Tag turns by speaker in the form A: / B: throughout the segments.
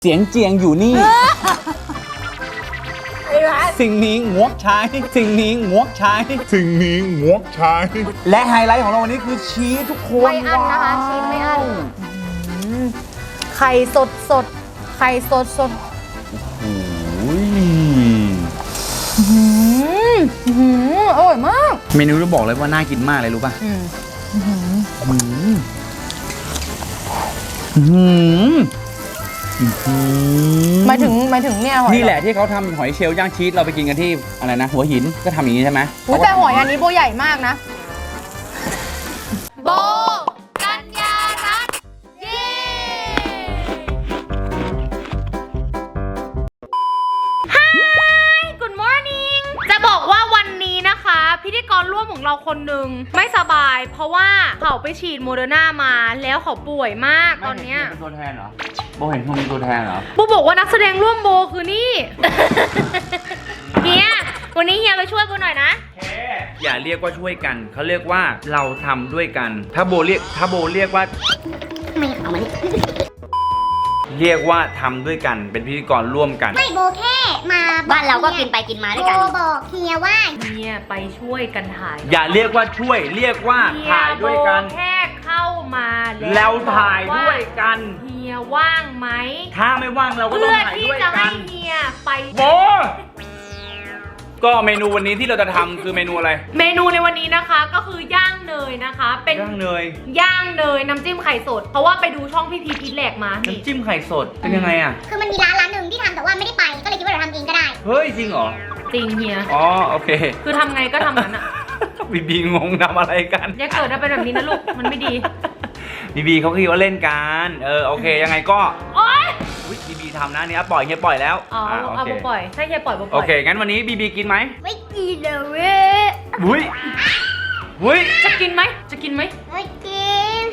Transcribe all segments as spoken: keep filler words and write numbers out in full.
A: เสียงเจียงอยู่นี่ สิ่งนี้งวกใช้สิ่งนี้งวกใช้สิ่งนี้งวกใช้และไฮไลท์ของเราวันนี้คือชีสทุกคน
B: ไม่อั้นนะคะชีสไม่อั้นไข่สดสดไข่สดสด
A: โอ้ย
B: อร่อยมาก
A: เมนูจะบอกเลยว่าน่ากินมากเลยรู้ป่ะ
B: หมายถึงหมายถึงเนี่ยหอย
A: นี่แหละที่เขาทำหอยเชลล์ย่างชีสเราไปกินกันที่อะไรนะหัวหินก็ทำอย่างนี้ใช่ไหม
B: อุ๊ยแต่หอยอันนี้โบใหญ่มากนะโบกัญญารัตน์เย้ฮาย Good morning จะบอกว่าวันนี้นะคะพิธีกรร่วมของเราคนหนึ่งไม่สบายเพราะว่าเขาไปฉีดโมเดอร์นามาแล้วเขาป่วยมากตอนเนี้ย
A: เป็นตัวแทนเหรอโบเห็นเขามีตัวแทนเหรอ
B: โบบอกว่านักแสดงร่วมโบคือนี่ เฮียวันนี้เฮียไปช่วยโบหน่อยนะ
A: อย่าเรียกว่าช่วยกันเขาเรียกว่าเราทำด้วยกันถ้าโบเรียกถ้าโบเรียกว่าไม่เอามาเรียกว่าทำด้วยกันเป็นพิธีกรร่วมกัน
C: ไม่โบแค่มาบ้านเราก็กินไปกินมาด้วยกันโบบอกเฮียว่า
B: เฮียไปช่วยกันถ่าย
A: อย่าเรียกว่าช่วยเรียกว่าถ่ายด้วยกัน
B: แค่เข้ามา
A: แล้วถ่ายด้วยกัน
B: เฮียว่างไหม
A: ถ้าไม่ว่างเราก็ต้องถ่ายด้วยกัน
B: เพื่อที่จะให้เฮียไป
A: โบก็เมนูวันนี้ที่เราจะทำคือเมนูอะไร
B: เมนูในวันนี้นะคะก็คือย่างเนยนะคะเป็น
A: ย่างเนย
B: ย่างเนยน้ำจิ้มไข่สดเพราะว่าไปดูช่องพี่พีทอีทแหลกมา
A: น้ำจิ้มไข่สดเป็นยังไงอ่ะ
C: คือมันมีร้านร้านหนึ่งที่ทำแต่ว่าไม่ได้ไปก็เลยคิดว่าเราทำเองก็ได้
A: เฮ้ยจริงเหรอ
B: จริงเฮีย
A: อ๋อโอเค
B: คือทำไงก็ทำนั้นอะ
A: บีบีงงทำอะไรกัน
B: อย่าเกิดมาเป็นแบบนี้นะลูกมันไม่ดี
A: บีบีเขาคิดว่าเล่นกันเออโอเคยังไงก็
B: โอ๊ย
A: บีบีทำนะเนี่ยปล่อยเฮียปล่อยแล้ว
B: อ๋อเอาปล่อยใช่เฮียปล่อยปล่อย
A: โอเคงั้นวันนี้บีบีกินไหม
C: ไม่กินเลยเว้ย
A: อุ้ยอุ้ย
B: จะกินไหมจะกินไหม
C: ไม่กิน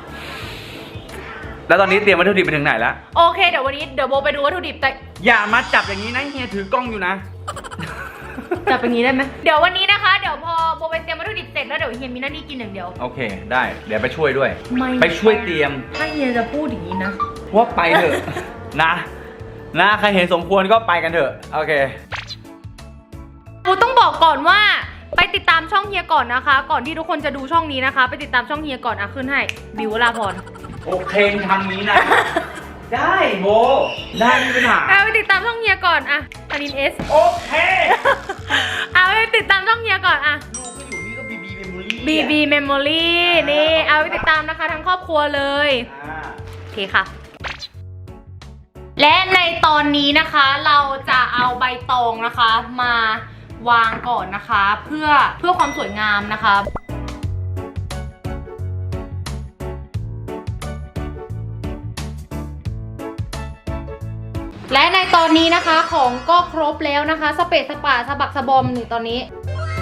A: แล้วตอนนี้เตรียมวัตถุดิบไปถึงไหนแล้ว
B: โอเคเดี๋ยววันนี้เดี๋ยวโบไปดูวัตถุดิบแต่
A: อย่ามาจับอย่างนี้นะเฮียถือกล้องอยู่นะ
B: จับอย่างนี้ได้ไหมเดี๋ยววันนี้นะคะเดี๋ยวพอโบไปเตรียมวัตถุดิบเสร็จแล้วเดี๋ยวเฮียมีหน้าที่กินอย่างเดียว
A: โอเคได้เดี๋ยวไปช่วยด้วยไปช่วยเตรียม
B: ถ้าเฮียจะพูดอย่างนี้นะ
A: ว่าไปเถอะนะนะใครเห็นสมควรก็ไปกันเถอะโอเค
B: กูต้องบอกก่อนว่าไปติดตามช่องเฮียก่อนนะคะก่อนที่ทุกคนจะดูช่องนี้นะคะไปติดตามช่องเฮียก่อนอ่ะขึ้นให้บิวลาพร
A: โอเคทำนี้นะได้โบได้ไม่เป็นไร
B: เอาไปติดตามช่องเฮียก่อนอ่ะตานินเอส
A: โอเค
B: เอาไปติดตามช่องเฮียก่อนอ่ะ
A: ลูกก็อยู่นี่ก็บีบีเมมโมรี่
B: บีบีเมมโมรี่นี่เอาไปติดตามนะคะทั้งครอบครัวเลยโอเคค่ะและในตอนนี้นะคะเราจะเอาใบตองนะคะมาวางก่อนนะคะเพื่อเพื่อความสวยงามนะคะและในตอนนี้นะคะของก็ครบแล้วนะคะสเปซสปาสะบักสะบอมนี่ตอนนี้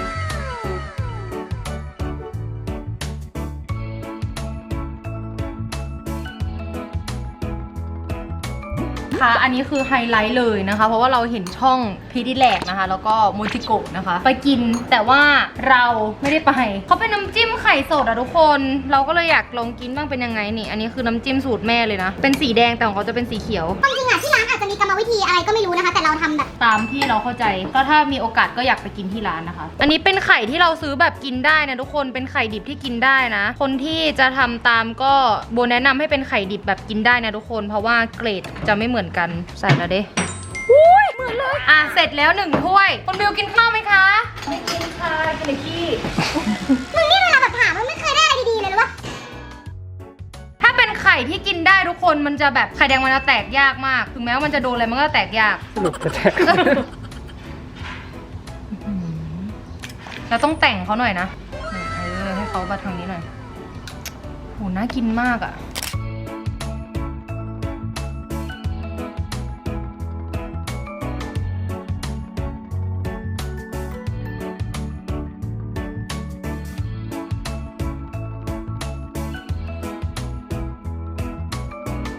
B: ค่ะอันนี้คือไฮไลท์เลยนะคะเพราะว่าเราเห็นช่องพีดิแลกนะคะแล้วก็โมจิโกะนะคะไปกินแต่ว่าเราไม่ได้ไปเขาเป็นน้ำจิ้มไข่สดอะทุกคนเราก็เลยอยากลองกินบ้างเป็นยังไงนี่อันนี้คือน้ำจิ้มสูตรแม่เลยนะเป็นสีแดงแต่ของเขาจะเป็นสีเขียว
C: จริงๆอะที่ร้านอาจจะมีกรรมวิธีอะไรก็ไม่รู้นะคะแต่เราทำแบบ
B: ตามที่เราเข้าใจก็ถ้ามีโอกาสก็อยากไปกินที่ร้านนะคะอันนี้เป็นไข่ที่เราซื้อแบบกินได้นะทุกคนเป็นไข่ดิบที่กินได้นะคนที่จะทำตามก็โบแนะนำให้เป็นไข่ดิบแบบกินได้นะทุกคนเพราะว่าเกรดจะไม่เหมือนกันใส่แล้วเด้อุ้ยเหมือนเลยอ่ะเสร็จแล้วหนึ่งถ้วยคุณบิวกินข้าวไหมคะไม่กินค่ะกินแต่ขี้
C: มึงนี่เวลาแบบถามมันไม่เคยได้อะไรดีๆเลยหรือวะ
B: ถ้าเป็นไข่ที่กินได้ทุกคนมันจะแบบไข่แดงมันจะแตกยากมากถึงแม้ว่ามันจะโดนอะไรมันก็แตกยากสรุปจะแตกเราต้องแต่งเขาหน่อยนะเออให้เขามาทางนี้หน่อยโหน่ากินมากอ่ะ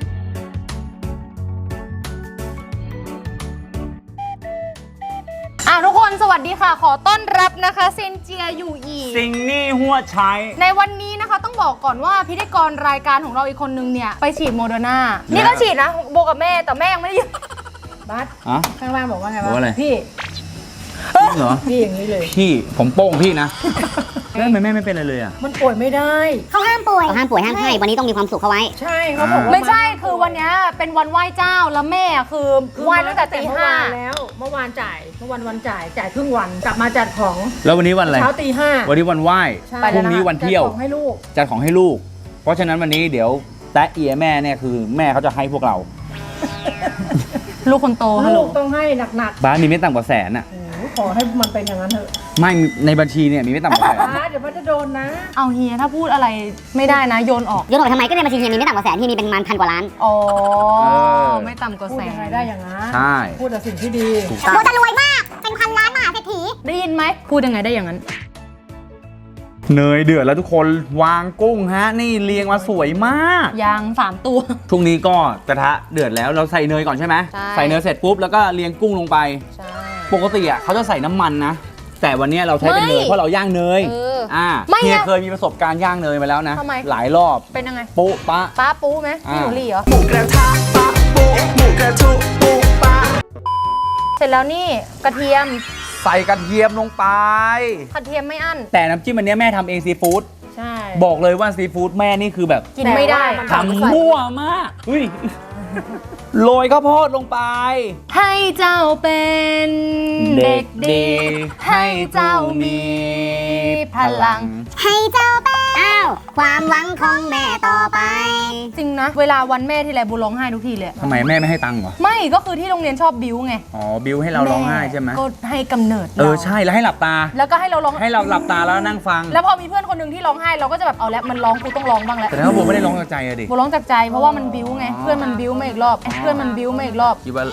B: ทุกคนสวัสดีค่ะขอต้อนรับนะคะเซนเจียอยู่อีก
A: ซิงนี่หัวใช้
B: ในวันนี้นะคะต้องบอกก่อนว่าพิธีกรรายการของเราอีกคนนึงเนี่ยไปฉีดโมเดอร์นานี่ก็ฉีดนะโบกับแม่แต่แม่ยังไม่ได้
D: บัส
A: อะ
D: ข้างล่างบอกว่าไง
A: บอกว่าอะไร
D: พี่
A: จริงเหรอ
D: พี่อย่างนี้เลย
A: พี่ผมโป้งพี่นะแล้วทำไมแม่ไม่เป็นอะไรเลยอ่ะ
D: มันป่วยไม่ได้
C: เขาห้ามป่วยเขาห้ามป่วยห้ามให้วันนี้ต้องมีความสุขเขาไว้
D: ใช่เขาบอกว่า
B: ไม่ใช่คือวันนี้เป็นวันไหว้เจ้าแล้วแม่คือไหว้ตั้งแต่ตี
D: เมื่อ
B: ห้า
D: วานแล้ว เมื่อวานจ่าย เมื่อวันวันจ่าย จ่ายครึ่งวัน กลับมาจัดของ
A: แล้ววันนี้วันอะไร
D: เช้าตีห้า
A: วันนี้วันไหว้
D: ใช่
A: พรุ่งนี้วันเที่ยว
D: จัดของให้ลูก
A: จัดของให้ลูก เพราะฉะนั้นวันนี้เดี๋ยวแตะเอียแม่เนี่ยคือแม่เขาจะให้พวกเรา
B: ลูกคนโตฮัลโหล
D: ลูกต้องให้หนัก
A: บ้านมีไม่ต่ำกว่าแสนอ่ะ
D: ๆโอ้โหขอให้มันเป็นอย่างนั้นเถอะ
A: ไม่ในบัญชีเนี่ยมีไม่ต่ำกว่าแสน
D: บ้าสเดี๋ยวมันจะโดนนะ
B: เอาเฮียถ้าพูดอะไรไม่ได้นะโยนออก
C: โยนออกไปทำไมก็ในบัญชีเฮียมีไม่ต่ำกว่าแสนเฮียมีเป็นประมาณพันกว่าล้าน
B: อ๋อไม่ต่ำกว่า
D: พูด
B: แส
D: ยังไง
B: น
D: ได้อย่างนั้น
A: ใช่
D: พูดแต่สิ่งที่ดี
A: ถูกต้อง
C: เราจะรวยมาก เป็นพันล้านมหาเศรษฐี
B: ได้ยินไหมพูดยังไงได้อย่างนั้น
A: เนยเดือดแล้วทุกคนวางกุ้งฮะนี่เรียงมาสวยมาก
B: ยางสามตัว
A: ช่วงนี้ก็กระทะเดือดแล้วเราใส่เนยก่อนใช่ไหม
B: ใช่
A: ใส่เนยเสร็จปุ๊บแล้วก็เรียงกุ้งลงไป
B: ใช่
A: ปกติอ่ะเขาจะใส่น้ำมันนะ แต่วันนี้เราใช้เป็นเนย
B: ไม่
A: เพราะเราย่างเนย
B: เออ
A: อ่า
B: ไม่
A: เฮีย
B: อะ
A: เคยมีประสบการณ์ย่างเนยมาแล้วนะ
B: ทำไม
A: หลายรอบ
B: เป็นยังไง
A: ปุ๊ปะ
B: ป้าปูไหม
A: อ่า
B: พี่หนูหลี่เหรอ
E: หมูกระทะปะโปะหมูกระทุปูปะ
B: เสร็จแล้วนี่กระเทียม
A: ใส่กระเทียมลงไป
B: กระเทียมไม่อั้น
A: แต่น้ำจิ้มอันเนี้ยแม่ทำเองซีฟู้ด
D: ใช่
A: บอกเลยว่าซีฟู้ดแม่นี่คือแบบ
B: กินไม่ได้
D: แต่ว่ามัน
A: ทำมั่วมากอุ้ยโรยข้าวโพดลงไป
B: ให้เจ้าเป็นเด็กดี ให้เจ้ามีพลัง
C: ให้เจ้าเป็นอ้าว ความหวังของแม่ต่อไป
B: จริงนะ เวลาวันแม่ที่ไรบูร้องไห้ทุกทีเลย
A: ทำไมแม่ไม่ให้ตังค์เหรอ
B: ไม่ก็คือที่โรงเรียนชอบบิ้วไง
A: อ๋อบิวให้เราร้องไห้ใช่ไหม
B: ก็ให้กำเนิด
A: เออ
B: รา
A: ใช่แล้วให้หลับตา
B: แล้วก็ให้เราร้อง
A: ให้เราหลับตาแล้วนั่งฟัง
B: แล้วพอมีเพื่อนคนหนึ่งที่ร้องไห้เราก็จะแบบเอาแล้วมันร้องกูต้องร้องบ้างแล้ว
A: แต่ถ้าผมไม่ได้ร้องจากใจอะดิ
B: บูร้องจากใจเพราะว่ามันบิ้วไงเพื่อนมันบิ้วมาอีกรอบเอ้ยเพื่อนมันบิ้วมาอีกรอบ
A: คิดว่า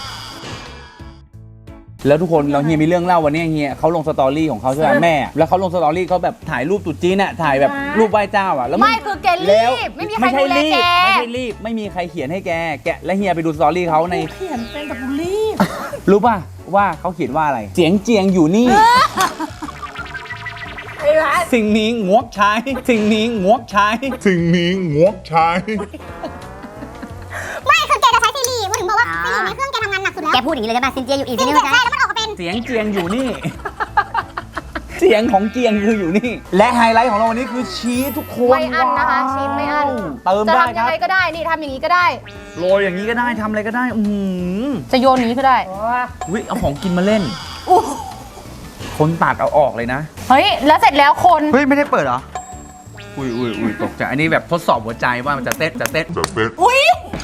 A: แล้วทุกคนเราเฮียมีเรื่องเล่าวันนี้เฮียเขาลงสตอรี่ของเขาใช่ไหมแม่ แล้วเขาลงสตอรี่เขาแบบถ่ายรูปตรุ๊จีนน่ะถ่ายแบบรูปไหว้เจ้าอ่ะแล้วน
B: ไม่คือแก
A: แล้
B: รี
A: ว
B: บไม่มีใคร
A: ใช่
B: ดูแล
A: รีบ
B: แก
A: ไม่ใช่รีบไม่มีใครเขียนให้แกแกและเฮียไปดูสตอรี่เขาใน
D: เขียนเป็นกับบุรีบ
A: รู้ป่ะว่าเขาเขียนว่าอะไรเจียงเจียงอยู่นี่
D: ไอ้ร้าน
A: สิ่งนี้งวกใช้ สิ่งนี้งวกใช้
F: สิ่งนี้งวกใช้
C: ไม่คือแกจะใช้ซีรีส์พูดถึงบอกว่าซีรีส์ในเครื่องแกทำงานหนักสุดแล้ว แกพูดอย่างนี้เลยใช่ป่ะซินเจียอยู่อีกซินเจียใช่แล้วมันออกมาเป็น
A: เสียงเจียงอยู่นี่ เสียงของเจียงคืออยู่นี่ และไฮไลท์ของเราวันนี้คือชีสทุกคน
B: ไม่อั้นนะคะ
A: ว้าว
B: ชีสไม่อั้น
A: เติม
B: จะ
A: ได้
B: ทำ
A: ค
B: ยั
A: รับ
B: งไงก็ได้นี่ทำอย่างนี้ก็ได้
A: โรยอย่างนี้ก็ได้ทำอะไรก็ได้ อือหือ
B: จะโยนอย่างนี้ก็ได้
D: อ๋อ
A: วิเอาของกินมาเล่น คนตัดเอาออกเลยนะ
B: เฮ้ยแล้วเสร็จแล้วคน
A: เฮ้ย ไม่ได้เปิดเหรอ อุ้ยอุ้ยอุ้ยตกใจ อันนี้แบบทดสอบหัวใจว่ามันจะเต้นจะเต้น
F: จะเป็น
B: อุ้ย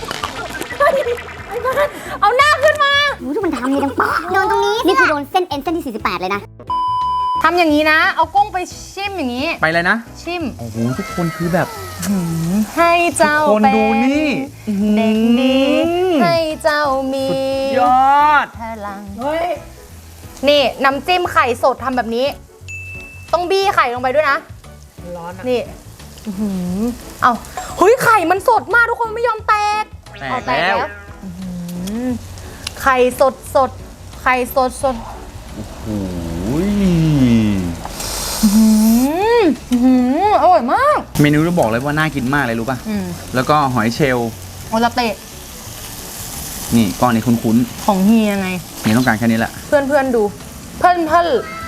B: เอาหน้าขึ้นมา
C: โอ้ยทุกคนทำนี่ดังป๊อกโดนตรงนี้ นี่คือโดนเส้นเอ็นเส้นที่สี่สิบแปดเลยนะ
B: ทำอย่างนี้นะ เอากุ้งไปชิมอย่างนี้
A: ไปเลยนะ
B: ชิม
A: โอ้โห ทุกคนคือแบบ
B: ให้เจ้า
A: ทุกคน
B: เป็น
A: ดูนี่
B: เด็กดีให้เจ้ามี
A: ยอด
B: พลัง
D: เฮ้ย
B: นี่น้ำจิ้มไข่สดทำแบบนี้ ต้องบี้ไข่ลงไปด้วยนะ
D: ร้อนอ่ะ
B: นี่อื้อหือเอาเฮ้ยไข่มันสดมากทุกคนไม่ยอมแตก
A: แต
B: เอา
A: กแล้ว
B: อื้อหือไข่สดสดไข่สดสด
A: โอ้ย
B: อื้อหืออื้อหืออร่อยมาก
A: เมนูจะบอกเลยว่าน่ากินมากเลยรู้ป่ะ
B: อืม
A: แล้วก็หอยเชลล์
B: โอลาเตะ
A: นี่ก้อนนี้คุ้น
B: ของเฮียไง
A: ๆเฮียต้องการแค่นี้แหละ
B: เพื่อนเพื่อนๆดู เพื่อนเพื่อน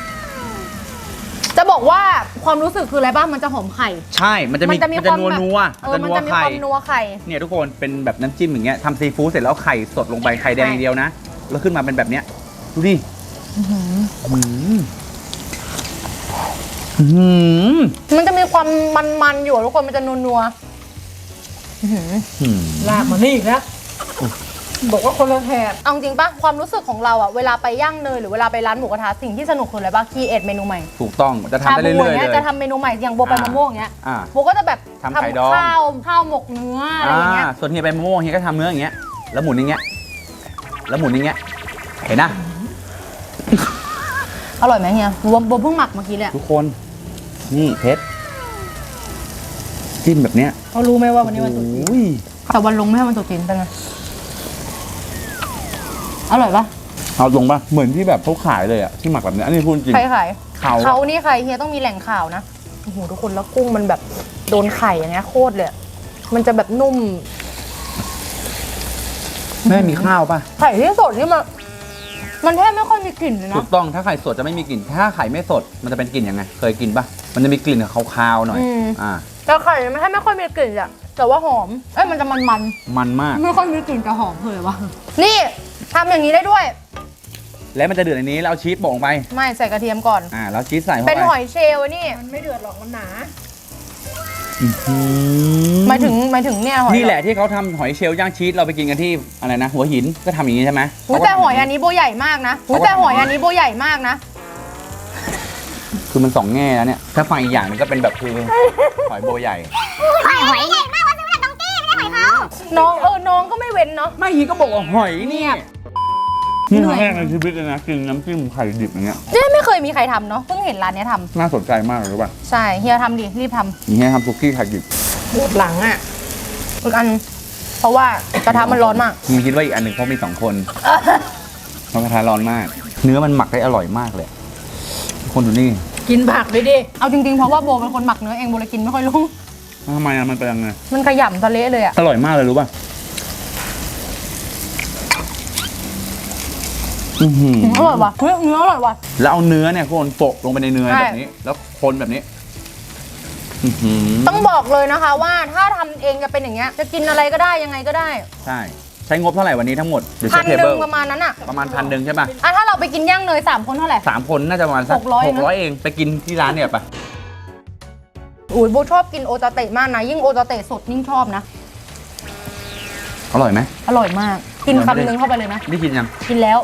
B: จะบอกว่าความรู้สึกคืออะไรบ้างมันจะหอมไข่
A: ใช่ มันจะมี
B: มันจะมี
A: มันจะ
B: ความ
A: นัว
B: แบบ
A: นัว
B: เออมันจะมี
A: ไข่
B: ความนัวไข่
A: เนี่ยทุกคนเป็นแบบน้ำจิ้มอย่างเงี้ยทำซีฟู้ดเสร็จแล้วไข่สดลงไปไข่แดงอย่างเดียวนะ แล้วขึ้นมาเป็นแบบเนี้ย ดูดิอื้อหืออื้อหือ
B: มันจะมีความมันๆอยู่ทุกคนมันจะนัวๆอื้อหือ
A: อื้อหือ
D: ลากมานี่อีกแล้ว บอกว่าคนละแถบ
B: เอาจริงปะความรู้สึกของเราอะเวลาไปย่างเนยหรือเวลาไปร้านหมูกระทะสิ่งที่สนุกคืออะไรปะคีเอทเมนูใหม่
A: ถูกต้องจะทำได้เรื่อยๆ
B: ชาบูาง
A: เล
B: งี้
A: ย
B: จะทำเมนูใหม่อย่างโบไป
A: อ่าม
B: มะม่วงอย่างเงี้ย
A: อ่า
B: โบก็จะแบบ
A: ทำไข่ดอง
B: ข้าวข้าวหมกเนื้ออะไรอย่างเงี้ย
A: อ่าส่วนเฮียไปมะม่วงเฮียก็ทำเนื้ออย่างเงี้ย แล้วหมุนอย่างเงี้ย แล้วหมุนอย่างเงี้ย เห็นนะ
B: อร่อยไหมเฮียโบโบเพิ่งหมักเมื่อกี้เลยอะ
A: ทุกคน นี่เพชรจิ้มแบบเนี้ย
D: เขารู้ไหมว่าวันนี้วันตรุษจีน
A: โอ้ย
B: แต่วันลงไม่ให้มันตกจีนเป็นไงอร่อยปะ
A: เอาตรงป่ะเหมือนที่แบบเขาขายเลยอะที่หมักแบบนี้อันนี้พูดจริง
B: ใครขาย
A: เขา
B: เขานี่ใครเฮียต้องมีแหล่งข่าวนะโอ้โหทุกคนแล้วกุ้งมันแบบโดนไข่อย่างเงี้ยโคตรเลยอะมันจะแบบนุ่ม
A: แม่มีข้าวป่ะ
B: ไข่ที่สดนี่มันมันแทบไม่ค่อยมีกลิ่นเลย
A: ถู
B: นะ
A: กต้องถ้าไข่สดจะไม่มีกลิ่นถ้าไข่ไม่สดมันจะเป็นกลิ่นยังไงเคยกินป่ะมันจะมีกลิ่นคาวๆหน่อย
B: อืม
A: อ่า
B: แต่ไข่มันแทบไม่ค่อยมีกลิ่นอะแต่ว่าหอมเอ้ยมันจะมันมัน
A: มันมาก
B: ๆไม่ค่อยมีกลิ่นแต่หอมเลยวะนี่ทำอย่างนี้ได้ด้วย
A: แล้วมันจะเดือดในนี้แล้วเอาชีสโปะลงไป
B: ไม่ใส่กระเทียมก่อน
A: อ่าแล้วชีสใส่เข้าไป
B: เป็นหอยเชลล์นี่
D: มันไม่เดือดหรอกมันหนา
A: อื้อหือ
B: หมายถึงหมายถึงเนี่ยหอย
A: นี่แหละที่เขาทำหอยเชลล์ย่างชีสเราไปกินกันที่อะไรนะหัวหินก็ทำอย่างนี้ใช่ไหม
B: อุ้ยแต่หอยอันนี้โบใหญ่มากนะอุ้ยแต่หอยอันนี้โบใหญ่มากนะ
A: คือมันสองแง่แล้วเนี่ยถ้าฟังอีกอย่างหนึงก็เป็นแบบคือหอยโบใหญ่
C: หอยหอยใหญ่มากว่าซื้อมาจากน้องตี้ไม่ใช่หอยเขา
B: น้องเออน้องก็ไม่เว้นเนาะ
A: ไม่ฮีก็บอกว่าหอยเนี่ย
B: เหนื่
A: นี่
B: อย
A: ครั้งแรกในชีวิตเลยนะกินน้ำจิ้มไข่ดิบอย่างเงี้ย
B: เนี่ยไม่เคยมีใครทำเนาะเพิ่งเห็นร้านเนี้ยท
A: น่าสนใจมากเลยรู้ป่ะ
B: ำใช่เฮียทำดิรีบท
A: อย่างเงี้ยทำซุกี้ไข่ดิบ
D: ปวดหลังอ่ะ
B: ำอีกอันเพราะว่ากระทะมันร้อนมาก
A: มึงคิดว่าอีกอันหนึ่งเขามีสองคนเพราะกระทะร้อนมาก เนื้อมันหมักได้อร่อยมากเลยทุกคนดูนี่
D: กินผักด้วยดิ
B: เอาจริงๆเพราะว่าโบเป็นคนหมักเนื้อเองโบเลยกินไม่ค่อยรู้
A: ทำไมอะมันเป็นยังไง
B: มันขยำทะเละเลยอะ
A: อร่อยมากเลยรู้ป่ะอื้อหือ
B: อร่อยว่ะเฮ้ยเนื้ออร่อยว่ะ
A: แล้วเอาเนื้อเนี่ยคนโปะลงไปในเนื้อ
B: ใช่
A: แบบนี้ แล้วคนแบบนี้อื้อหือ
B: ต้องบอกเลยนะคะว่าถ้าทำเองจะเป็นอย่างเงี้ยจะกินอะไรก็ได้ยังไงก็ได้
A: ใช่ใช้งบเท่าไหร่วันนี้ทั้งหมดเดี๋ยว
B: พั
A: เช็
B: น
A: คเท
B: หนึ่
A: เบิ
B: ง
A: ล
B: ประมาณนั้นอะ
A: ประมาณพันหนึ่งใช่ป่ะ
B: อ่ะถ้าเราไปกินย่างเนยสามคนเท่าไหร่
A: สามคนน่าจะประมาณสัก
B: หกร้อย
A: หกร้อยเองไปกินที่ร้านเนี่ยป่ะ
B: อุ้ยโบชอบกินโอตาเตะมากนะยิ่งโอตาเตะสดยิ่งชอบนะ
A: อร่อยไหม
B: อร่อยมาก กินคำนึงเข้าไปเลยนะ
A: นี่กินยัง
B: กินแล้ว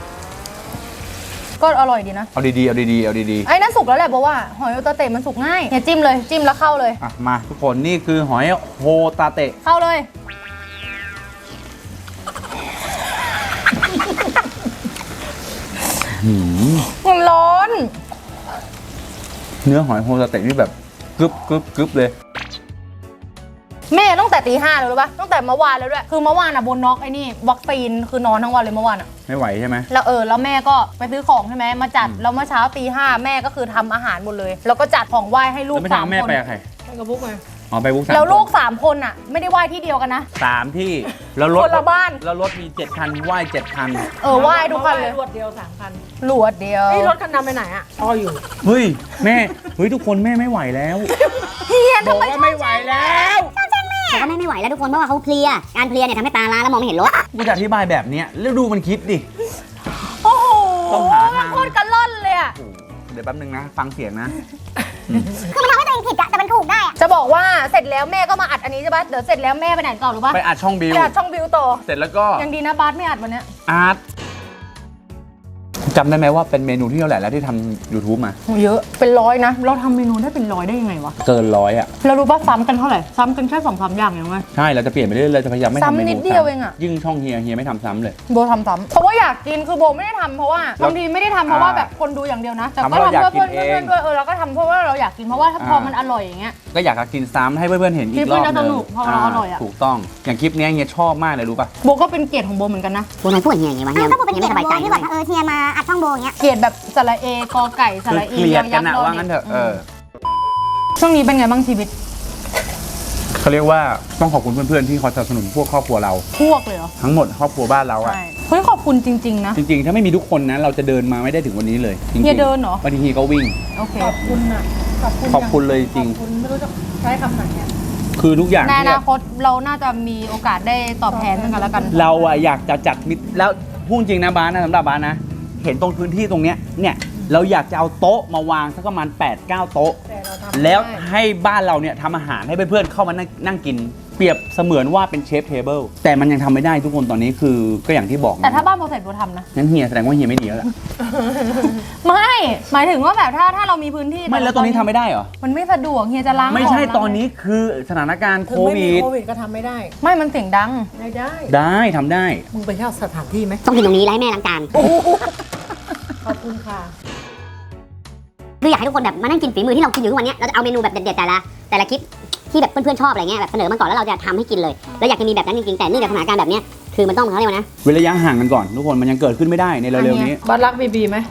B: ก็อร่อยดีนะ
A: เอาดีๆเอาดีๆเอาดี
B: ไอ้นั่นสุกแล้วแหละเพราะว่าหอยโอตาเตะมันสุกง่ายเนี่ยจิ้มเลยจิ้มแล้วเข้าเลย
A: ๆอ่ะมาทุกคนนี่คือหอยโฮตาเตะ
B: เข้าเลย
A: หืม
B: มันร้อน
A: เนื้อหอยโฮตาเตะนี่แบบกรึบกรึบกรึบเลย
B: แม่ตั้งแต่ตีห้าเลยรู้ปะตั้งแต่เมื่อวานแล้วด้วยคือเมื่อวานอะบนน็อกไอ้นี่วัคซีนคือนอนทั้งวันเลยเมื่อวานอะ
A: ไม่ไหวใช่ไหม
B: แล้วเออแล้วแม่ก็ไปซื้อของใช่ไหมมาจัดแล้วเมื่อเช้าตีห้าแม่ก็คือทำอาหารหมดเลย แล้วก็จัดของไหว้ให้ลู
A: แล้
B: ก
A: วไม่
B: สา
A: ทำ
B: ม
A: แม่
B: คน
A: ไปกับใคร
D: ไปกับบุ๊กมา
A: อ๋อไปบุ๊กสาม
B: แล้วลูก
A: คน
B: สามคนอะไม่ได้ไหว้ที่เดียวกันนะ
A: สามที่แล้วรถ
B: คนละบ้าน
A: แล้วรถมีเจ็ดคันไหว้เจ็ดคัน
B: เออไหว้ทุกคันเลย
D: รวดเดียวสามคัน
B: หลวดเดียว
D: ไอ้ยรถคันดำไปไหนอ่ะรออยู่
A: เฮ้ยแม่เฮ้ยทุกคนแม่ไม่ไหวแล้ว
B: เฮีย
A: บอ
B: ทำ
A: ก
B: ไม
A: ว่าไม่ไหวแล้ว
C: แต่ก็ไม่ไม่ไหวแล้วทุกคนเพราะว่าเขาเพลียการเพลียเนี่ยทำให้ตาล้าแล้วมองไม่เห็นรถ
A: กูจะอธิบายแบบเนี้ยแล้วดูมันคิดดิ
B: โอ้โห
A: ต้องหาทาง
B: โคตรกระล่อนเลยอะ
A: โอ้โหเดี๋ยวแป๊บนึงนะ ฟังเสียงนะ
C: คือมันทำให้ตัวเองผิดอะแต่มันถูกได้อะ
B: จะบอกว่าเสร็จแล้วแม่ก็มาอัดอันนี้ใช่ปะเดี๋ยวเสร็จแล้วแม่ไปไหนก่อนรู้ปะ
A: ไปอัดช่องบิว
B: ไปอัดช่องบิวต่อ
A: เสร็จแล้วก็
B: ยังดีนะบาสไม่อัดวันเนี้ย
A: อาร์ตจำได้ไหมว่าเป็นเมนูที่เท่าไหร่แล้วที่ทำ YouTube มา
B: โหเยอะเป็นร้อยนะเราทำเมนูได้เป็นร้อยได้ยังไงวะ
A: เกินร้อยอ่ะ
B: เรารู้ปะซ้ำกันเท่าไหร่ซ้ำกันแค่สองสามอย่างเองไหม
A: ใช่เราจะเปลี่ยนไปเรื่อยๆเราจะพยายามไม่ทำเม
B: ซ้ำ
A: นู
B: นิดเดียวเองอะ
A: ยิ่งช่องเฮียเฮียไม่ทำซ้ำเลย
B: โบทำซ้ำเพราะว่าอยากกินคือโบไม่ได้ทำเพราะว่า
A: แล้ว
B: บางทีไม่ได้ทำเพราะว่า
A: อ่า
B: แบบคนดูอย่างเดียวนะแต่
A: ทำเพ
B: ก็
A: ราะ
B: ทำ
A: เรา
B: เพื่อ
A: อยากกิ
B: เพื่อน น
A: เอง
B: เพื่อนๆด้วยเออเราก็ทำเพราะว่าเราอยากกินเพราะว่าถ้าพอ
A: อ่ามั
B: มันอร่อยอย่างเงี้ย
A: ก็อยากจะกินซ้ำให้เพื่อนๆเห็นอี
B: คลิ
A: ก
B: ป
A: รอบ
B: มัน
A: ห
B: จะ
A: นึ
B: ส
A: ง
B: นุกเพราะเราอร่อยอะ
A: ถูกต้องอย่างคลิปเนี้ยเฮียชอบมากเลยรู้ป่ะ
B: โบก็เป็นเกียรติของโบเหมือนกันนะ
C: โบนายพูดอย่างไงวะเฮีย
B: ก็เป็น
C: เฮียไม่สบายใจที่แบบเออเฮียมาอัดช่องโบอย่างเงี้ย
B: เกลียดแบบสระเอกอไก่ส
A: คือ
B: ระอี
A: เกลียดกัน
B: ยั
A: นะ
B: กษ์
A: ว่างั้นเถอะเออ
B: ช่วงนี้เป็นไงบ้างชีวิต
A: เขาเรียกว่าต้องขอบคุณเพื่อนๆที่คอยสนับสนุนพวกครอบครัวเรา
B: พวกเลยเหรอ
A: ทั้งหมดครอบครัวบ้านเราอะ
B: ใช่เฮ้ยขอบคุณจริง ๆ นะ
A: จริงๆ ถ้าไม่มีทุกคนนะเราจะเดินมาไม่ได้ถึงวันนี้เลยจริงๆ
B: เฮียเดินเหรอ
A: บางทีเฮียก็วิ่ง
B: โอเค
D: ขอบคุณอ่ะ ขอบคุณ
A: ขอบคุณเลยจริง
D: ขอบคุณไม่รู้จะใช้คำไหนอ่ะ
A: คือทุกอย่าง
B: ในอ
A: ที่แบ
B: นา
A: บ
B: คตเราน่าจะมีโอกาสได้ตอบแทนซึ่งกันและกัน
A: เราอะอยากจะจัดมิตรแล้วพูดจริงนะบ้านนะสำหรับบ้านนะ เห็นตรงพื้นที่ตรงเนี้ยเนี่ยเราอยากจะเอาโต๊ะมาวางสักประมาณ แปดเก้า โต๊ะ
D: แต่เราทำ
A: แล้ว
D: ได้
A: ให้บ้านเราเนี่ยทำอาหารให้เพื่อนๆเข้ามานั่งนั่งกิน เปรียบเสมือนว่าเป็นเชฟเทเบิลแต่มันยังทำไม่ได้ทุกคนตอนนี้คือก็อย่างที่บอกนะ
B: แต่ถ้าบ้านโบเสร็จโบทำนะ
A: งั้นเฮียแสดงว่าเฮียไม่ดีแล้วล่ะ
B: ไม่ หมายถึงว่าแบบถ้าถ้าเรามีพื้นที่
A: ไม่แล้วตอนนี้ทำไม่ได้เหรอ
B: มันไม่สะดวกเฮียจะล้าง
A: ไม่ใช่
B: ของล้าง
A: ตอนนี้คือสถานการณ์
D: ถึ
A: โค
D: งไม่มี
A: วิด
D: โควิดก็ทำไม่ได้
B: ไม่มันเสียงดัง
D: ได้ได้
A: ได้ทำได้
D: มึงไปเช่าสถานที่ไหม
C: ต้องกินตรงนี้แล้วให้แม่ล้างจาน
D: ขอบคุณค่ะ
C: คืออยากให้ทุกคนแบบมานั่งกินฝีมือที่เรากินอยู่ทุกวันเนี้ยเราจะเอาเมนูแบบเด็ดๆแต่ละแต่ละคลิปที่แบบเพื่อนๆชอบอะไรเงี้ยแบบเสนอมาก่อนแล้วเราจะทำให้กินเลยแล้วอยากจะมีแบบนั้นจริงๆแต่เนื่องจากสถานการณ์แบบเนี้ยคือมันต้องเขาเรียกว่านะ
A: เว้นระยะห่างกันก่อนทุกคนมันยังเกิดขึ้นไม่ได้ในเร็วๆนี้
D: บัสรักบีบีไหม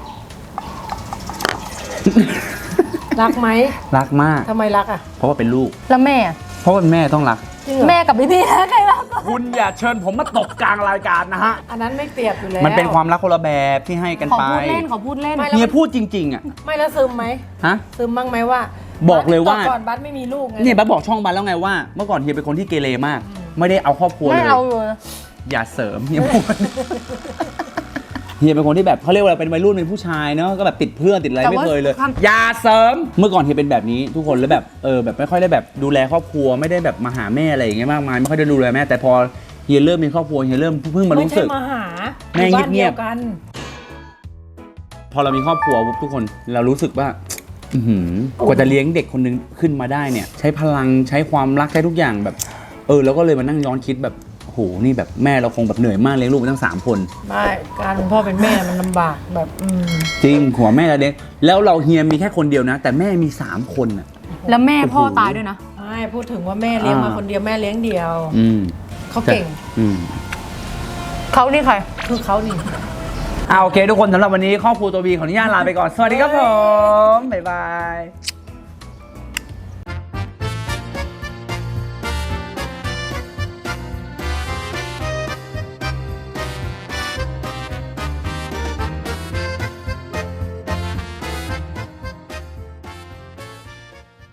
D: รักไหม
A: รักมาก
D: ทำไมรักอ่ะ
A: เพราะว่าเป็นลูก
B: แล้วแม่อะ
A: เพราะว่าแม่ต้องรัก
D: จริงเหรอ
B: แม่กับพี่พี่นะใครรักกว่า
A: คุณอย่าเชิญผมมาตกกลางรายการนะฮะ
D: อันนั้นไม่เปรียบอยู่แล้ว
A: มันเป็นความรักคนละแบบที่ให้กัน
B: ขอ
A: ไป
B: พูดเล่นขอพูดเล่น
D: ไม่
A: เฮียพูดจริงๆอ่ะ
D: ไม่แล้วซึมไหม
A: ฮะ
D: ซึมบ้างไหมว่า
A: บอกเลยว่า
D: ก่อนบัสไม่มีลูกไง
A: เนี่ยบัสบอกช่องบัสแล้วไงว่าเมื่อก่อนเฮียเป็นคนที่เกเรมาก ไม่ได้เอาครอบครัวเล
B: ไม่
A: ย
B: เอาเลย
A: อย่าเสริมเฮียพูดเฮียเป็นคนที่แบบเขาเรียกว่าอะไรเป็นวัยรุ่นเป็นผู้ชายเนาะก็แบบติดเพื่อนติดอะไรไม่เคยเลย อย่าเสริมเมื่อก่อนเฮียเป็นแบบนี้ทุกคนแล้วแบบเออแบบไม่ค่อยได้แบบดูแลครอบครัวไม่ได้แบบมาหาแม่อะไรอย่างเงี้ยมากมายไม่ค่อยได้ดูแลแม่แต่พอเฮียเริ่มมีครอบครัวเฮียเริ่มเพิ่งมา
D: ไม่
A: รู้
D: ใช่
A: สึก
D: มาหา
A: แม่
D: อยู่บ้าน
A: เงียบๆ
D: ดีวกัน
A: พอเรามีครอบครัวปุ๊บทุกคนเรารู้สึกว่าอื้อหือกว่าจะเลี้ยงเด็กคนนึงขึ้นมาได้เนี่ย ใช้พลังใช้ความรักใช้ทุกอย่างแบบ เออแล้วก็เลยมานั่งย้อนคิดแบบโหนี่แบบแม่เราคงแบบเหนื่อยมากเลี้ยงลูกมาตั้งสามคน
D: ไม่การเป็นพ่อเป็นแม่มันลำบากแบบอืม
A: จริงหัวแม่เราเลี้ยงแล้วเราเฮียมีแค่คนเดียวนะ แต่แม่มีสามคนอ่ะ
B: แล้วแม่พ่อตายด้วยนะ
D: ไม่พูดถึงว่าแม่เลี้ยงมา
A: อ่า
D: คนเดียวแม่เลี้ยงเดียว
A: อืม
D: เขาเก่ง
A: อืม
B: เขานี่ใคร
D: คือเขานี่
A: อ่าโอเคทุกคนสำหรับวันนี้ครอบครัวตัวบีขออนุญาตลาไปก่อนสวัสดีครับผมบ๊ายบาย